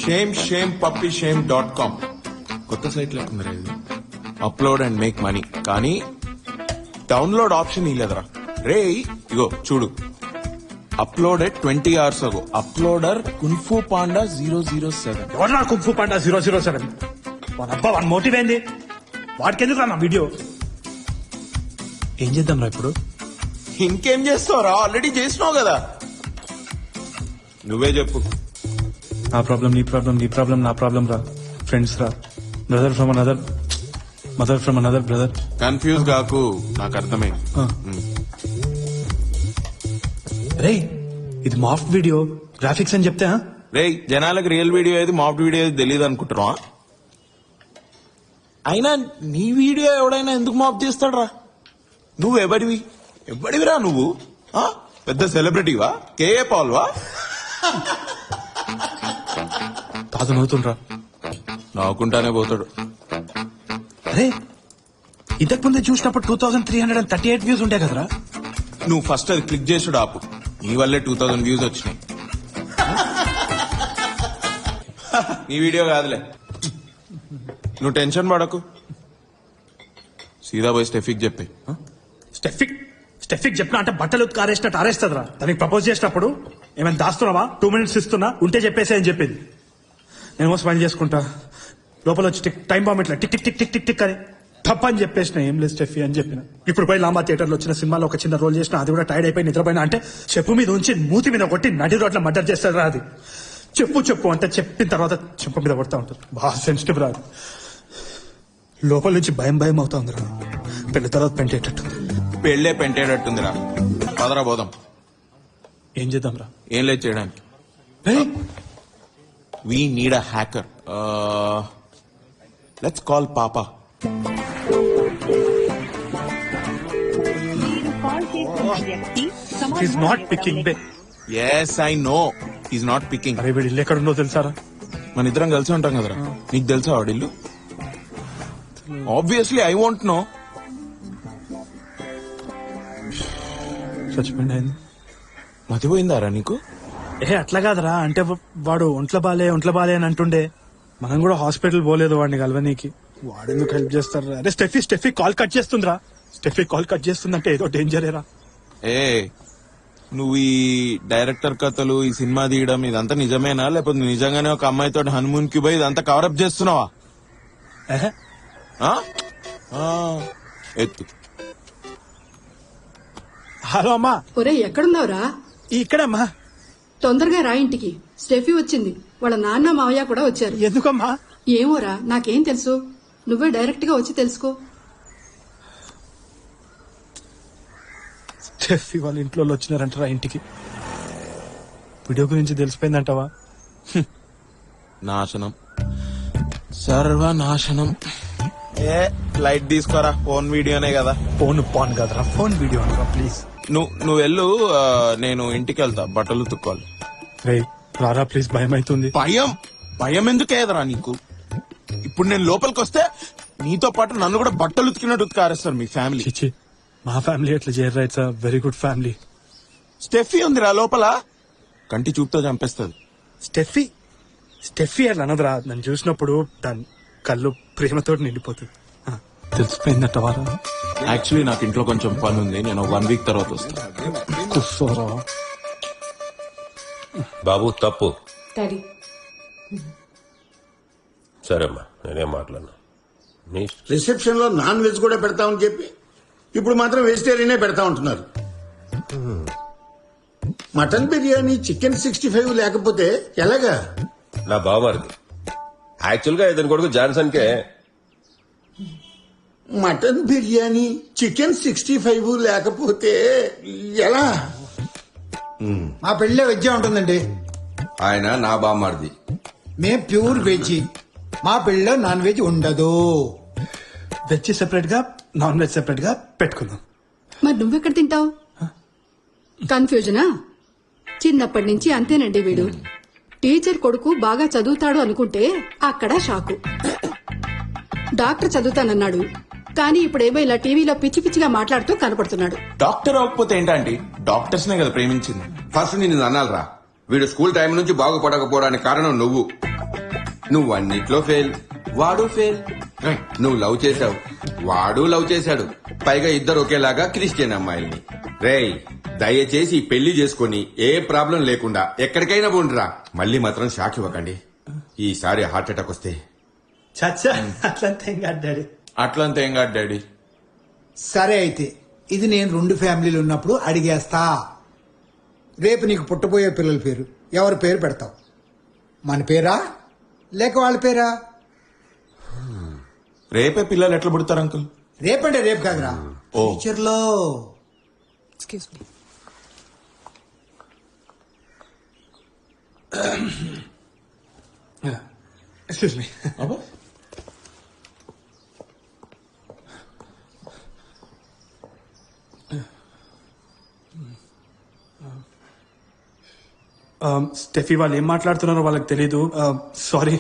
shamepuppyshame.com కొత్త site లేకుందిరా ఇది. అప్లోడ్ అండ్ మేక్ మనీ కానీ డౌన్లోడ్ ఆప్షన్ ఇలేదరా రే. ఇగో చూడు, uploaded 20 hours ago. Uploader kung fu panda 007. ఎవరు కుంఫు పాండా 007? అబ్బా వన్ మోటివ్ ఏంది? వాడికి ఎందుకు నా వీడియో? ఏం చేద్దాం రా ఇప్పుడు? ఇంకేం చేస్తావురా, ఆల్రెడీ చేసినావు కదా. నువ్వే చెప్పు. నా ప్రాబ్లం నీ ప్రాబ్లం, నీ ప్రాబ్లం నా ప్రాబ్లం రా. ఫ్రెండ్స్ రా, brother from another mother from another brother. Confuse కాకు, నాకు అర్థమై. రే ఇది మాఫ్ట్ వీడియో, గ్రాఫిక్స్ అని చెప్తే రే జనాలకు రియల్ వీడియో ఏది మాఫ్ట్ వీడియో ఏది తెలియదు అనుకుంటున్నావా? అయినా నీ వీడియో ఎవడైనా ఎందుకు మాఫ్ చేస్తాడ్రా? నువ్వు ఎవడివిరా నువ్వు? పెద్ద సెలబ్రిటీవా? కేఏ పాల్వా? తాత నవ్వుతుండ్రా. నవ్వుకుంటానే పోతాడు. అరే ఇంతకు ముందే చూసినప్పుడు 2338 వ్యూస్ ఉంటాయి కదరా. నువ్వు ఫస్ట్ అది క్లిక్ చేసుడు ఆపు. నీ వల్లే 2000 వ్యూస్ వచ్చినాయి. నీ వీడియో కాదులే, నువ్వు టెన్షన్ పడకు. సీదా పోయి స్టెఫిక్ చెప్పి. స్టెఫిక్ చెప్పినా అంటే బట్టలు ఆరేసినట్టు ఆరేస్తుందిరా. దానికి ప్రపోజ్ చేసినప్పుడు ఏమైనా దాస్తున్నావా? 2 minutes ఇస్తున్నా, ఉంటే చెప్పేసి అని చెప్పింది. నేను స్మైల్ చేసుకుంటా, లోపల వచ్చి టైం బాంబ్ ఇట్లా tick tick tick tick tick tick అని తప్ప అని చెప్పేసిన. ఏం లేదు స్టెఫీ అని చెప్పిన. ఇప్పుడు పోయి లాంబా థియేటర్ లో వచ్చిన సినిమాలో ఒక చిన్న రోల్ చేసిన, అది కూడా టైర్డ్ అయిపోయి నిద్రపోయినా అంటే చెప్పు మీద ఉంచి మూతి మీద కొట్టి నడి రోడ్ల మర్డర్ చేస్తారా. అది చెప్పు అంటే చెప్పిన తర్వాత చెప్పు మీద కొడతా ఉంటుంది. బాగా సెన్సిటివ్ రాదు. లోపల నుంచి భయం అవుతుంది రా. పెళ్లి తర్వాత పెంటేటట్టు. పెళ్లే పెంటేటట్టుందిరా. పదరా పోదాం. ఏం చేద్దాం రా? ఏం లేదు చేయడానికి. We need a hacker. Let's call papa. He's not picking. Yes, I know. He's not picking. అరే వీడి ఇల్లు ఎక్కడుందో తెలుసారా? మన ఇద్దరం కలిసి ఉంటాం కదరా. నీకు తెలుసా వాడిల్లు? Obviously I want know. చచ్చిపోయింది. మతిపోయిందారా నీకు? అట్లా కాదరా, అంటే వాడు ఒంట్లో బాలే అని అంటుండే. మనం కూడా హాస్పిటల్ పోలేదు వాడిని కలవనీకి. వాడెందుకు హెల్ప్ చేస్తారా? అరే స్టెఫీ కాల్ కట్ చేస్తుందిరా. స్టెఫీ కాల్ కట్ చేస్తుందంటే ఏదో డేంజరేరా. నువ్వు ఈ డైరెక్టర్ కథలు, ఈ సినిమా తీయడం ఇదంతా నిజమేనా, లేకపోతే నిజంగానే ఒక అమ్మాయితో హనుమూన్ కి పోయి ఇదంతా కవరప్ చేస్తున్నావా? ఎత్తు. హలో అమ్మా. ఒరే ఎక్కడున్నావురా? ఇక్కడమ్మా. తొందరగా రా ఇంటికి. స్టెఫీ వచ్చింది, వాళ్ళ నాన్న మావయ్య కూడా వచ్చారు. ఎందుకమ్మా? ఏమోరా, నాకేం తెలుసు. నువ్వే డైరెక్ట్ గా వచ్చి తెలుసుకో. స్టెఫీ వాళ్ళ ఇంట్లో వచ్చినారంటారా ఇంటికి? వీడియో గురించి తెలిసిపోయిందంటావా? నాశనం, సర్వనాశనం. లైట్ తీసుకోరా, ఫోన్ వీడియోనే కదా. ఫోన్ కదరా, ఫోన్ వీడియో అనరా ప్లీజ్. నువ్వు వెళ్ళు, నేను ఇంటికి వెళ్తా, బట్టలు తుక్కోవాలి. రే రారా ప్లీజ్, భయం అవుతుంది. భయం ఎందుకేదరా నీకు? ఇప్పుడు నేను లోపలికి వస్తే నీతో పాటు నన్ను కూడా బట్టలు ఉతికినట్టు ఉతికారేస్తారు మీ ఫ్యామిలీ. చిచ్చి, మా ఫ్యామిలీ ఎట్లా చేయరా? It's very good family. Steffi ఉందిరా లోపల, కంటి చూపుతో చంపేస్తుంది. స్టెఫీ అట్లా అనదురా. నన్ను చూసినప్పుడు దాని కళ్ళు ప్రేమతో నిండిపోతుంది. తెలిసిపోయిందట వారా. యాక్చువల్లీ నాకు ఇంట్లో కొంచెం పని ఉంది, నేను 1 week తర్వాత వస్తాను. కూర్చోరా బాబు. తప్పు. డాడీ సరేమ్మా, నేనేం మాట్లాడను. రిసెప్షన్ లో నాన్ వెజ్ కూడా పెడతామని చెప్పి ఇప్పుడు మాత్రం వెజిటేరియనే పెడతా ఉంటున్నారు. మటన్ బిర్యానీ, చికెన్ 65 లేకపోతే ఎలాగా? నా బావమరిది యాక్చువల్ గా ఇతని కొడుకు జాన్సన్ కే మటన్ బిర్యానీ, చికెన్ 65 లేకపోతే ఎలా? మా పెళ్ళే వెజ్ ఉంటుందండి. ఆయన నా బామ్మారిది. మేం ప్యూర్ వెజ్. మా పెళ్ళలో నాన్ వెజ్ ఉండదు. వెజ్ సెపరేట్ గా, నాన్ వెజ్ సెపరేట్ గా పెట్టుకుందాం. మరి నువ్వెక్కడ తింటావు? కన్ఫ్యూజనా? చిన్నప్పటి నుంచి అంతేనండి వీడు. టీచర్ కొడుకు బాగా చదువుతాడు అనుకుంటే అక్కడ షాకు. డాక్టర్ చదువుతానన్నాడు, కానీ ఇప్పుడేమో ఇలా టీవీలో పిచ్చి పిచ్చిగా మాట్లాడుతూ కనపడుతున్నాడు. డాక్టర్ అవ్వకపోతే ఏంటంటే డాక్టర్స్ నే కదా ప్రేమించింది. ఫస్ట్ నిన్ను అనాలరా, వీడు స్కూల్ టైం నుంచి బాగుపడకపోవడానికి కారణం నువ్వు. నువ్వు అన్నిట్లో ఫెయిల్, వాడు ఫెయిల్. నువ్వు లవ్ చేశావు, వాడు లవ్ చేశాడు. పైగా ఇద్దరు ఒకేలాగా క్రిస్టియన్ అమ్మాయిల్ని. రేయ్, దయచేసి ఈ పెళ్లి చేసుకుని ఏ ప్రాబ్లం లేకుండా ఎక్కడికైనా పోండిరా. మళ్ళీ మాత్రం షాక్ ఇవ్వకండి. ఈసారి హార్ట్ అటాక్ వస్తే చచ్చా అట్లంతా ఏం కాదు డాడీ. అట్లంతా ఏం కాదు డాడీ. సరే అయితే ఇది నేను 2 ఫ్యామిలీలు ఉన్నప్పుడు అడిగేస్తా. రేపు నీకు పుట్టబోయే పిల్లల పేరు ఎవరి పేరు పెడతావు? మన పేరా లేక వాళ్ళ పేరా? రేపే పిల్లలు ఎట్లా పుడతారు అంకుల్? రేపంటే రేపు కాదురా, ఓ. ఫ్యూచర్ లో. Excuse me. Excuse me. Steffi వాళ్ళు ఏం మాట్లాడుతున్నారో వాళ్ళకి తెలీదు. సారీ.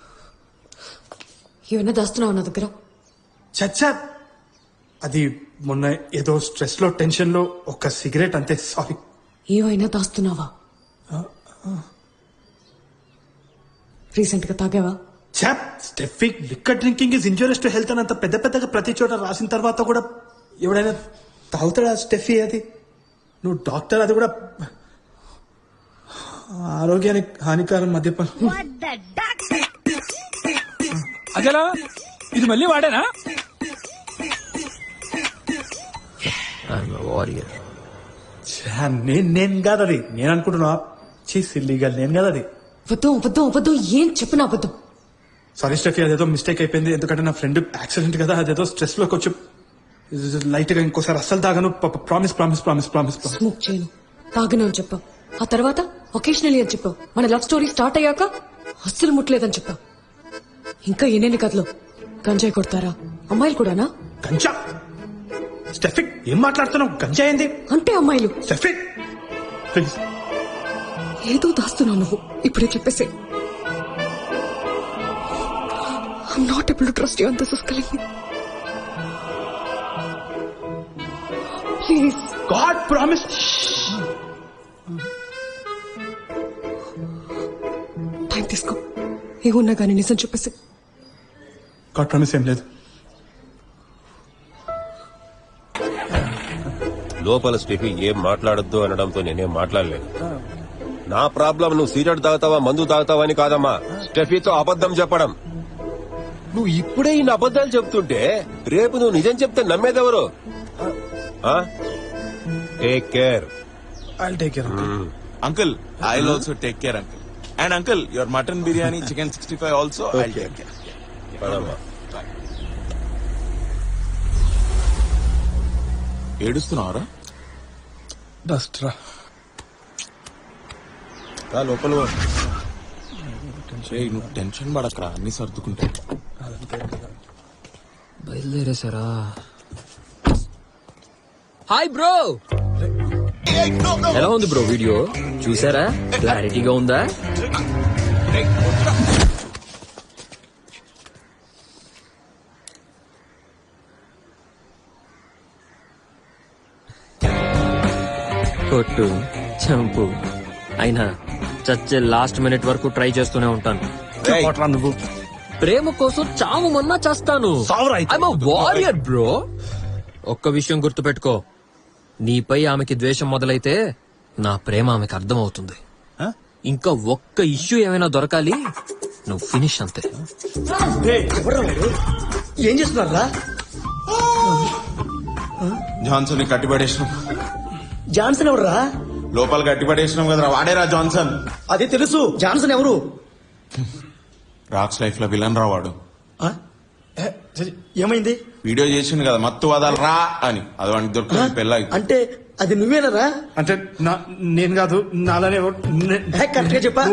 ఏమైనా దాస్తున్నావు నా దగ్గర? చచ్చా అది మొన్న ఏదో స్ట్రెస్ లో టెన్షన్ లో ఒక సిగరెట్ అంతే. సారీ. ఏమైనా దాస్తున్నావా? రీసెంట్ గా తాగావా? చాప్ Steffi liquor drinking is injurious to health అని అంత పెద్ద పెద్దగా ప్రతి చోట రాసిన తర్వాత కూడా ఎవడైనా తాగుతాడా స్టెఫీ? అది నువ్వు డాక్టర్, అది కూడా ఆరోగ్యానికి హానికరం మద్యపానం. అదేలా ఇది మళ్ళీ వాడేనా? ఛా, నేను కాదు అది. నేను అనుకుంటున్నా సిల్లీగల్ నేను కాదు అది. అబద్ధం అబద్ధం అబద్ధం, ఏం చెప్పిన అబద్ధం. సారీ స్టెఫీ, అదేదో మిస్టేక్ అయిపోయింది. ఎందుకంటే నా ఫ్రెండ్ యాక్సిడెంట్ కదా, అదేదో స్ట్రెస్ లోకి వచ్చి లైట్ గా ఇంకోసారి అస్సలు తాగను. Promise promise promise promise. Smoke చేయను, తాగను అని చెప్పావు. ఆ తర్వాత ఒకేషనలీ అని చెప్పావు. మన లవ్ స్టోరీ స్టార్ట్ అయ్యాక అస్సలు ముట్టలేదని చెప్పావు. ఇంకా ఎన్నెన్ని కథలు. గంజాయి కొడతారా అమ్మాయిలు కూడానా? గంజా? స్టెఫిక్ ఏం మాట్లాడుతున్నావు? గంజా ఏంది? అంటే అమ్మాయిలు. స్టెఫిక్ ప్లీజ్. ఏదో దాస్తున్నావు నువ్వు, ఇప్పుడే చెప్పేసే. I'm not able to trust you and this is killing me. Please. God promise. Time తీసుకో, ఏమున్నా కానీ నిజం చెప్పేసి. God promise ఏం లేదు. లోపల స్టెఫీ ఏం మాట్లాడొద్దు అనడంతో నేనేం మాట్లాడలేదు. నా ప్రాబ్లం నువ్వు సిగరెట్ తాగుతావా మందు తాగుతావా అని కాదమ్మా, స్టెఫీతో అబద్ధం చెప్పడం. నువ్వు ఇప్పుడే ఇన్ని అబద్ధాలు చెప్తుంటే రేపు నువ్వు నిజం చెప్తే నమ్మేదెవరు? Take care. I'll take care. Uncle, I'll also take care, uncle. And uncle, your mutton biryani, chicken 65 also, I'll take care. పదమ్మా. ఏడుస్తున్నావరా? డస్ట్ రా. లోపల ఏయ్, నువ్వు టెన్షన్ పడకరా, అన్ని సర్దుకుంటా. బయలుదేరేసారా? హాయ్ బ్రో, ఎలా ఉంది బ్రో వీడియో? చూసారా? క్లారిటీగా ఉందా? కొట్టు, చంపు, అయినా చచ్చే లాస్ట్ మినిట్ వరకు ట్రై చేస్తూనే ఉంటాను. కొట్రా నువ్వు. ప్రేమ కోసం చావు మన్నా చేస్తాను. సావురా అయితే. I'm a warrior, bro. ఒక్క విషయం గుర్తుపెట్టుకో, నీపై ఆమెకి ద్వేషం మొదలైతే నా ప్రేమ ఆమెకి అర్థమవుతుంది. ఇంకా ఒక్క ఇష్యూ ఏమైనా దొరకాలి, నువ్వు ఫినిష్ అంతే. ఏం చేస్తున్నారా? జాన్సన్ కట్టిపడేసినాం. జాన్సన్ ఎవరురా? లోపల కట్టిపడేసినాం కదరా, వాడేరా జాన్సన్. అది తెలుసు. జాన్సన్ ఎవరు? రాక్స్ లైఫ్ లో విలన్ రా వాడు. ఏమైంది? వీడియో చేసిండు కదా మత్తు వదలరా అని, అది వాడికి దొరికింది పెళ్ళాయి. అంటే అది నువ్వేనరా? అంటే నేను కాదు, నాలానే కరెక్ట్ గా చెప్పా.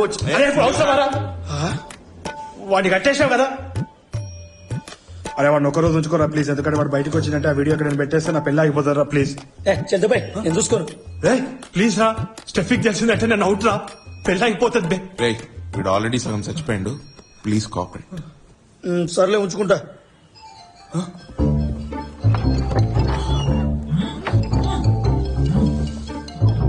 వాడిని కట్టేసావు కదా. అరే వాడిని ఒక రోజు ఉంచుకోరా ప్లీజ్, ఎందుకంటే వాడు బయటకు వచ్చినట్టే ఆ వీడియో నేను పెట్టేస్తే నా పెళ్ళి ఆగిపోతారా ప్లీజ్. చంద్రబాయ్ నేను చూసుకోను. ప్లీజ్ రా, స్టెఫిక్ తెలిసిందంటే నేను అవుట్ రా, పెళ్ళి ఆగిపోతుంది బే. రే, వీడు ఆల్రెడీ సగం చచ్చిపోయిండు, ప్లీజ్ కోఆపరేట్. సర్లే ఉంచుకుంటా.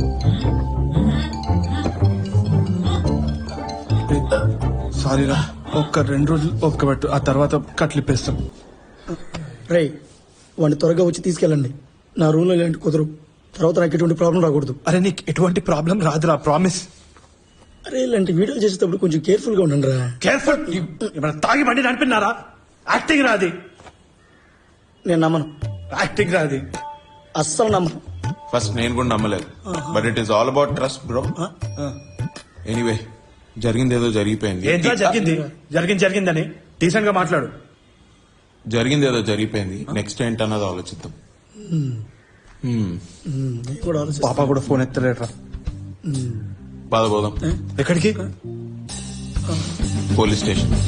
సారీ రా. ఒక్క 2 రోజులు ఒక్క పెట్టు, ఆ తర్వాత కట్లిప్పేస్తాం. రేయ్ వాడిని త్వరగా వచ్చి తీసుకెళ్ళండి. నా రూమ్ లో ఇలాంటి కుదరు. తర్వాత నాకు ఎటువంటి ప్రాబ్లం రాకూడదు. అరే నీకు ఎటువంటి ప్రాబ్లం రాదురా, ప్రామిస్. అరే ఇలాంటి వీడియోలు చేసేటప్పుడు కొంచెం కేర్ఫుల్ గా ఉండండి రా. కేర్ఫుల్. ఏమైనా తాగి బండి నడిపినారా? యాక్టింగ్ రాది, నేను నమ్మను, యాక్టింగ్ రాది. అస్సలు నమ్మను. ఫస్ట్ నేను కూడా నమ్మలేదు, but it is all about trust bro. Anyway జరిగింది ఏదో జరిగిపోయింది. ఏంట్రా జరిగిందని డీసెంట్ గా మాట్లాడు. జరిగింది ఏదో జరిగిపోయింది, నెక్స్ట్ ఏంటన్నది ఆలోచిద్దాం. నేను కూడా ఆలోచిస్తాను. పాప కూడా ఫోన్ ఎత్తలేట్రా. పద పోదాం. ఎక్కడికి? Police station.